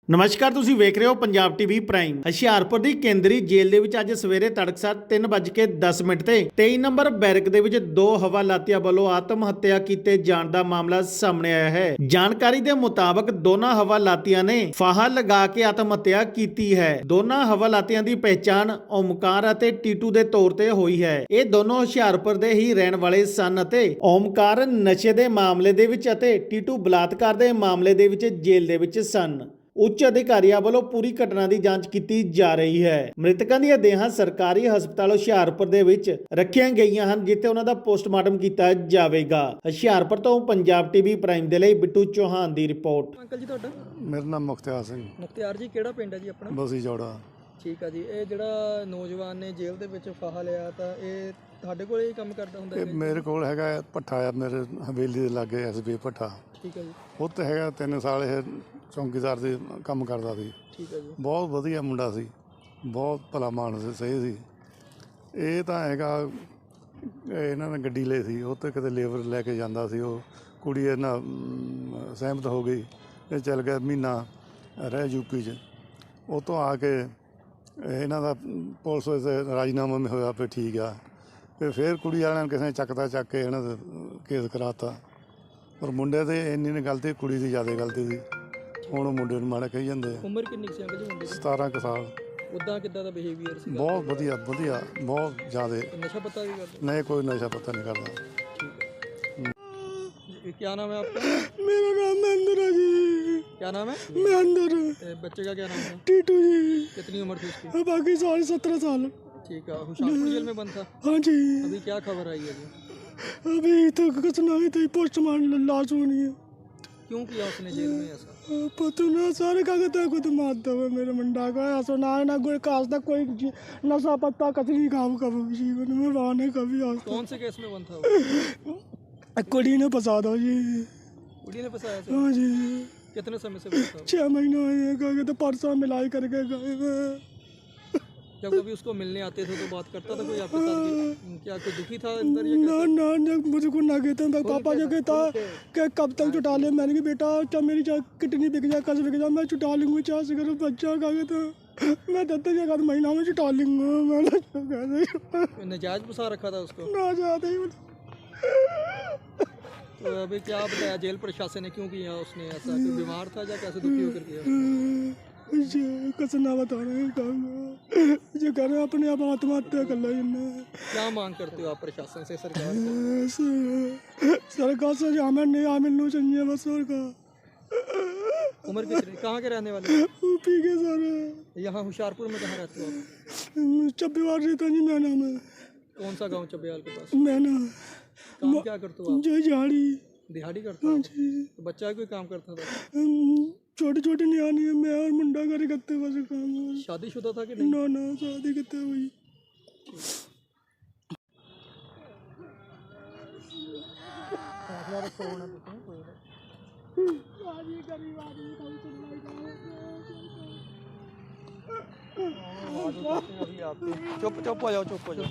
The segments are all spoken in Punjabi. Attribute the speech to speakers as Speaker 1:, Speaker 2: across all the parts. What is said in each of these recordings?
Speaker 1: ਨਮਸਕਾਰ, ਤੁਸੀਂ ਵੇਖ ਰਹੇ ਹੋ ਪੰਜਾਬ ਟੀਵੀ ਪ੍ਰਾਈਮ। ਹੁਸ਼ਿਆਰਪੁਰ ਦੀ ਕੇਂਦਰੀ ਜੇਲ੍ਹ ਦੇ ਵਿੱਚ ਅੱਜ ਸਵੇਰੇ ਤੜਕਸਾਰ 3:10 ਤੇ 23 ਨੰਬਰ ਬੈਰਕ ਦੇ ਵਿੱਚ ਦੋ ਹਵਾਲਾਤੀਆਂ ਵੱਲੋਂ ਆਤਮ ਹੱਤਿਆ ਕੀਤੇ ਜਾਣ ਦਾ ਮਾਮਲਾ ਸਾਹਮਣੇ ਆਇਆ ਹੈ। ਜਾਣਕਾਰੀ ਦੇ ਮੁਤਾਬਕ ਦੋਨਾਂ ਹਵਾਲਾਤੀਆਂ ਨੇ ਫਾਹਾ ਲਗਾ ਕੇ ਆਤਮ ਹੱਤਿਆ ਕੀਤੀ ਹੈ। ਦੋਨਾਂ ਹਵਾਲਾਤੀਆਂ ਦੀ ਪਹਿਚਾਣ ਓਮਕਾਰ ਅਤੇ ਟੀਟੂ ਦੇ ਤੌਰ ਤੇ ਹੋਈ ਹੈ। ਇਹ ਦੋਨੋਂ ਹੁਸ਼ਿਆਰਪੁਰ ਦੇ ਹੀ ਰਹਿਣ ਵਾਲੇ ਸਨ ਅਤੇ ਓਮਕਾਰ ਨਸ਼ੇ ਦੇ ਮਾਮਲੇ ਦੇ ਵਿੱਚ ਅਤੇ ਟੀਟੂ ਬਲਾਤਕਾਰ ਦੇ ਮਾਮਲੇ ਦੇ ਵਿੱਚ ਜੇਲ੍ਹ ਦੇ ਵਿੱਚ ਸਨ। ਉੱਚ ਅਧਿਕਾਰੀਆਂ ਵੱਲੋਂ ਪੂਰੀ ਘਟਨਾ ਦੀ ਜਾਂਚ ਕੀਤੀ ਜਾ ਰਹੀ ਹੈ। ਮ੍ਰਿਤਕਾਂ ਦੀਆਂ ਦੇਹਾਂ ਸਰਕਾਰੀ ਹਸਪਤਾਲ ਹੁਸ਼ਿਆਰਪੁਰ ਦੇ ਵਿੱਚ ਰੱਖੀਆਂ ਗਈਆਂ ਹਨ, ਜਿੱਥੇ ਉਹਨਾਂ ਦਾ ਪੋਸਟਮਾਰਟਮ ਕੀਤਾ ਜਾਵੇਗਾ। ਹੁਸ਼ਿਆਰਪੁਰ ਤੋਂ ਪੰਜਾਬ ਟੀਵੀ ਪ੍ਰਾਈਮ ਦੇ ਲਈ ਬਿੱਟੂ ਚੌਹਾਨ ਦੀ ਰਿਪੋਰਟ।
Speaker 2: ਅੰਕਲ ਜੀ ਤੁਹਾਡਾ?
Speaker 3: ਮੇਰਾ ਨਾਮ ਮੁਖਤਿਆਰ ਸਿੰਘ।
Speaker 2: ਮੁਖਤਿਆਰ ਜੀ, ਕਿਹੜਾ ਪਿੰਡ ਹੈ ਜੀ ਆਪਣਾ?
Speaker 3: ਬਸੀ ਜੋੜਾ।
Speaker 2: ਠੀਕ ਆ ਜੀ। ਇਹ ਜਿਹੜਾ ਨੌਜਵਾਨ ਨੇ ਜੇਲ੍ਹ ਦੇ ਵਿੱਚ ਫਾਹਾ ਲਿਆ, ਤਾਂ ਇਹ ਤੁਹਾਡੇ ਕੋਲ ਹੀ ਕੰਮ ਕਰਦਾ ਹੁੰਦਾ
Speaker 3: ਇਹ
Speaker 2: ਹੈ?
Speaker 3: ਮੇਰੇ ਕੋਲ ਹੈਗਾ ਭੱਠਾ ਆ, ਮੇਰੇ ਹਵੇਲੀ ਦੇ ਲਾਗੇ ਐਸਬੀ ਭੱਠਾ।
Speaker 2: ਠੀਕ ਹੈ ਜੀ।
Speaker 3: ਉੱਥੇ ਹੈਗਾ 3 ਸਾਲ ਇਹ ਚੌਂਕੀਦਾਰ ਦੇ ਕੰਮ ਕਰਦਾ ਸੀ।
Speaker 2: ਠੀਕ ਹੈ ਜੀ।
Speaker 3: ਬਹੁਤ ਵਧੀਆ ਮੁੰਡਾ ਸੀ, ਬਹੁਤ ਭਲਾ ਮਾਨਸ ਸਹੀ ਸੀ। ਇਹ ਤਾਂ ਹੈਗਾ ਇਹਨਾਂ ਨੇ ਗੱਡੀ ਲਈ ਸੀ, ਉੱਥੇ ਕਿਤੇ ਲੇਬਰ ਲੈ ਕੇ ਜਾਂਦਾ ਸੀ। ਉਹ ਕੁੜੀ ਇਹਨਾਂ ਸਹਿਮਤ ਹੋ ਗਈ, ਇਹ ਚੱਲ ਗਿਆ ਮਹੀਨਾ ਰਹਿ ਯੂਪੀ 'ਚ। ਉਹ ਤੋਂ ਆ ਕੇ ਇਹਨਾਂ ਦਾ ਪੁਲਿਸ ਵਿੱਚ ਰਾਜੀਨਾਮਾ ਵੀ ਹੋਇਆ ਫਿਰ ਠੀਕ ਆ। ਫਿਰ ਕੁੜੀ ਵਾਲਿਆਂ ਨੇ ਕਿਸੇ ਨੇ ਚੱਕ ਕੇ ਇਹਨਾਂ ਦਾ ਕੇਸ ਕਰਾਤਾ। ਪਰ ਮੁੰਡੇ ਤੇ ਇੰਨੀ ਨੇ ਗਲਤੀ, ਕੁੜੀ ਦੀ ਜ਼ਿਆਦਾ ਗਲਤੀ ਸੀ। ਹੁਣ ਉਹ ਮੁੰਡੇ ਨੂੰ ਮਾੜਾ ਕਹੀ ਜਾਂਦੇ ਆ।
Speaker 2: ਉਮਰ ਕਿੰਨੀ ਸੀ ਅੰਕਲ ਜੀ ਮੁੰਡੇ ਦੀ?
Speaker 3: 17 ਕੁ ਸਾਲ।
Speaker 2: ਉੱਦਾਂ ਕਿੱਦਾਂ ਦਾ ਬਿਹੇਵੀਅਰ ਸੀ?
Speaker 3: ਬਹੁਤ ਵਧੀਆ, ਬਹੁਤ ਜ਼ਿਆਦਾ।
Speaker 2: नशा पता भी करते?
Speaker 3: नहीं, कोई नशा पता नहीं करता।
Speaker 2: क्या नाम है आपका?
Speaker 4: मेरा नाम महेंद्र है जी।
Speaker 2: क्या नाम है?
Speaker 4: महेंद्र।
Speaker 2: बच्चे का क्या नाम है?
Speaker 4: टीटू जी।
Speaker 2: कितनी उम्र थी उसकी?
Speaker 4: बाकी साल 17 साल।
Speaker 2: ठीक है। हुशियारपुर जेल में बंद था?
Speaker 4: हाँ जी।
Speaker 2: अभी क्या खबर आई है जी?
Speaker 4: अभी तो कुछ नहीं थी, पोस्टमार्टम लाश होनी है।
Speaker 2: क्यों किया उसने जेल में ऐसा?
Speaker 4: पता ना सारे कागज खुद मारता हुआ मेरे मुंडा का ऐसा ना कोई खास तक कोई नशा पत्ता कचरी काम कभी जीवन में वाने कभी आज तक।
Speaker 2: कौन से केस में बंद था वो?
Speaker 4: कुड़ी ने फंसा दो जी।
Speaker 2: कुड़ी ने फंसाया था?
Speaker 4: हाँ जी।
Speaker 2: कितने समय से बंद था?
Speaker 4: 6 महीने हुए कहा तो परसों मिलाई करके गए।
Speaker 2: जब कभी उसको मिलने आते थे तो बात करता था कोई आपके साथ? क्या कोई दुखी था अंदर या कैसे?
Speaker 4: ना मुझको ना कहते हैं पापा जो कहता कि कब तक छुटा ले। मैंने कहा बेटा क्या मेरी किडनी बिक जाए, कस बिक जाए, मैं छुटा लूँगी। 4 से करो बच्चा का कहता मैं 10 महीना में छुटा लूँगा। मैंने
Speaker 2: नजायज फंसा रखा था उसको?
Speaker 4: ना जाते ही।
Speaker 2: तो अभी क्या बताया जेल प्रशासन ने, क्यों किया उसने ऐसा? कोई बीमार था या कैसे दुखी होकर किया?
Speaker 4: कुछ ना बता रहे जो कर रहे अपने आप आत्महत्या कर लो।
Speaker 2: क्या मांग करते हो आप प्रशासन से, सरकार
Speaker 4: से? हमें नहीं मिलना चाहिए बस। और का
Speaker 2: उम्र कितनी? कहाँ के रहने वाले?
Speaker 4: यूपी के सारे।
Speaker 2: यहाँ होशियारपुर में कहाँ रहते हो आप?
Speaker 4: चब्बीवार रहता जी। मैं नाम है।
Speaker 2: कौन सा गांव चब्बेवाल के पास?
Speaker 4: मैं ना
Speaker 2: काम क्या करते हो आप?
Speaker 4: जो झाड़ी
Speaker 2: दिहाड़ी करते हो? तो बच्चा कोई काम करता था?
Speaker 4: छोटी नियानी है। मैं और मुंडा करे करते बस काम।
Speaker 2: शादीशुदा था कि नहीं?
Speaker 4: ना शादी करते हुई।
Speaker 2: चुप हो जाओ, चुप हो जाओ।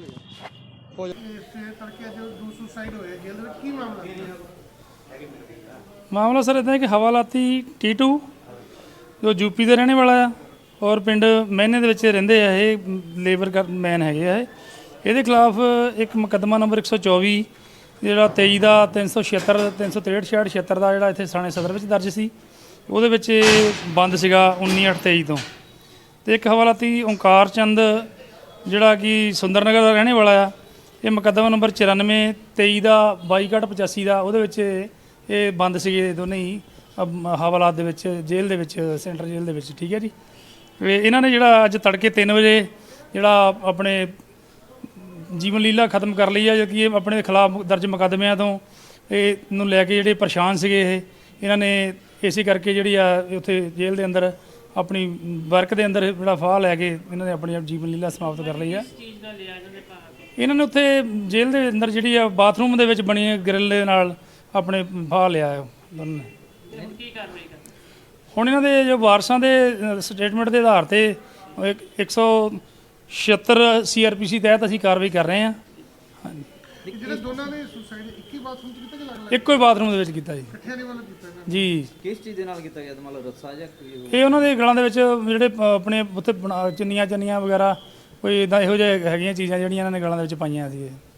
Speaker 5: ਮਾਮਲਾ ਸਰ ਇੱਦਾਂ ਹੈ ਕਿ ਹਵਾਲਾਤੀ ਟੀਟੂ ਜੋ ਯੂਪੀ ਦੇ ਰਹਿਣੇ ਵਾਲਾ ਆ ਔਰ ਪਿੰਡ ਮਹਿਨੇ ਦੇ ਵਿੱਚ ਰਹਿੰਦੇ ਆ। ਇਹ ਲੇਬਰ ਮੈਨ ਹੈਗੇ ਆ। ਇਹਦੇ ਖਿਲਾਫ ਇੱਕ ਮੁਕੱਦਮਾ ਨੰਬਰ 124 ਜਿਹੜਾ 23 ਦਾ 376 363 66 ਦਾ ਜਿਹੜਾ ਇੱਥੇ ਥਾਣੇ ਸਦਰ ਵਿੱਚ ਦਰਜ ਸੀ। ਉਹਦੇ ਵਿੱਚ ਬੰਦ ਸੀਗਾ 19/8/23 ਤੋਂ। ਅਤੇ ਇੱਕ ਹਵਾਲਾਤੀ ਓਂਕਾਰ ਚੰਦ ਜਿਹੜਾ ਕਿ ਸੁੰਦਰ ਨਗਰ ਦਾ ਰਹਿਣੇ ਵਾਲਾ ਆ। ਇਹ ਮੁਕੱਦਮਾ ਨੰਬਰ 94 23 ਦਾ 22/85 ਦਾ। ਉਹਦੇ ਵਿੱਚ ਇਹ ਬੰਦ ਸੀਗੇ ਦੋਨੇ ਹੀ ਹਵਾਲਾਤ ਦੇ ਵਿੱਚ, ਜੇਲ੍ਹ ਦੇ ਵਿੱਚ, ਸੈਂਟਰ ਜੇਲ੍ਹ ਦੇ ਵਿੱਚ। ਠੀਕ ਹੈ ਜੀ। ਇਹਨਾਂ ਨੇ ਜਿਹੜਾ ਅੱਜ ਤੜਕੇ 3 ਵਜੇ ਜਿਹੜਾ ਆਪਣੇ ਜੀਵਨ ਲੀਲਾ ਖਤਮ ਕਰ ਲਈ ਆ, ਜੋ ਕਿ ਇਹ ਆਪਣੇ ਖਿਲਾਫ ਦਰਜ ਮੁਕੱਦਮਿਆਂ ਤੋਂ ਇਹ ਨੂੰ ਲੈ ਕੇ ਜਿਹੜੇ ਪਰੇਸ਼ਾਨ ਸੀਗੇ ਇਹਨਾਂ ਨੇ ਇਸੇ ਕਰਕੇ ਜਿਹੜੀ ਆ ਉੱਥੇ ਜੇਲ੍ਹ ਦੇ ਅੰਦਰ ਆਪਣੀ ਵਰਕ ਦੇ ਅੰਦਰ ਜਿਹੜਾ ਫਾਹ ਲੈ ਕੇ ਇਹਨਾਂ ਨੇ ਆਪਣੀ ਜੀਵਨ ਲੀਲਾ ਸਮਾਪਤ ਕਰ ਲਈ ਆ। ਇਹਨਾਂ ਨੇ ਉੱਥੇ ਜੇਲ੍ਹ ਦੇ ਅੰਦਰ ਜਿਹੜੀ ਆ ਬਾਥਰੂਮ ਦੇ ਵਿੱਚ ਬਣੀ ਗ੍ਰਿਲ ਦੇ ਨਾਲ ਆਪਣੇ ਫਾਹ ਲਿਆ ਦੋਨਾਂ ਨੇ। ਹੁਣ ਇਹਨਾਂ ਦੇ ਜੋ ਵਾਰਸਾਂ ਦੇ ਸਟੇਟਮੈਂਟ ਦੇ ਆਧਾਰ ਤੇ 176 CRPC ਤਹਿਤ ਅਸੀਂ ਕਾਰਵਾਈ ਕਰ ਰਹੇ ਹਾਂ।
Speaker 6: ਜਿਹੜੇ ਦੋਨਾਂ ਨੇ ਸੁਸਾਈਡ ਇੱਕ ਹੀ ਵਾਰ
Speaker 5: ਇੱਕੋ ਹੀ ਬਾਥਰੂਮ ਦੇ ਵਿੱਚ ਕੀਤਾ ਜੀ ਜੀ।
Speaker 6: ਕਿਸ ਚੀਜ਼ ਦੇ ਨਾਲ ਕੀਤਾ ਗਿਆ ਮਤਲਬ ਰੱਸਾ ਜਾਂ ਕੋਈ ਹੋਰ?
Speaker 5: ਇਹ ਉਹਨਾਂ ਦੇ ਗਲਾਂ ਦੇ ਵਿੱਚ ਜਿਹੜੇ ਆਪਣੇ ਉੱਥੇ ਚੁੰਨੀਆਂ ਵਗੈਰਾ ਕੋਈ ਇਦਾਂ ਇਹੋ ਜਿਹੇ ਹੈਗੀਆਂ ਚੀਜ਼ਾਂ ਜਿਹੜੀਆਂ ਇਹਨਾਂ ਨੇ ਗਲਾਂ ਦੇ ਵਿੱਚ ਪਾਈਆਂ ਸੀ।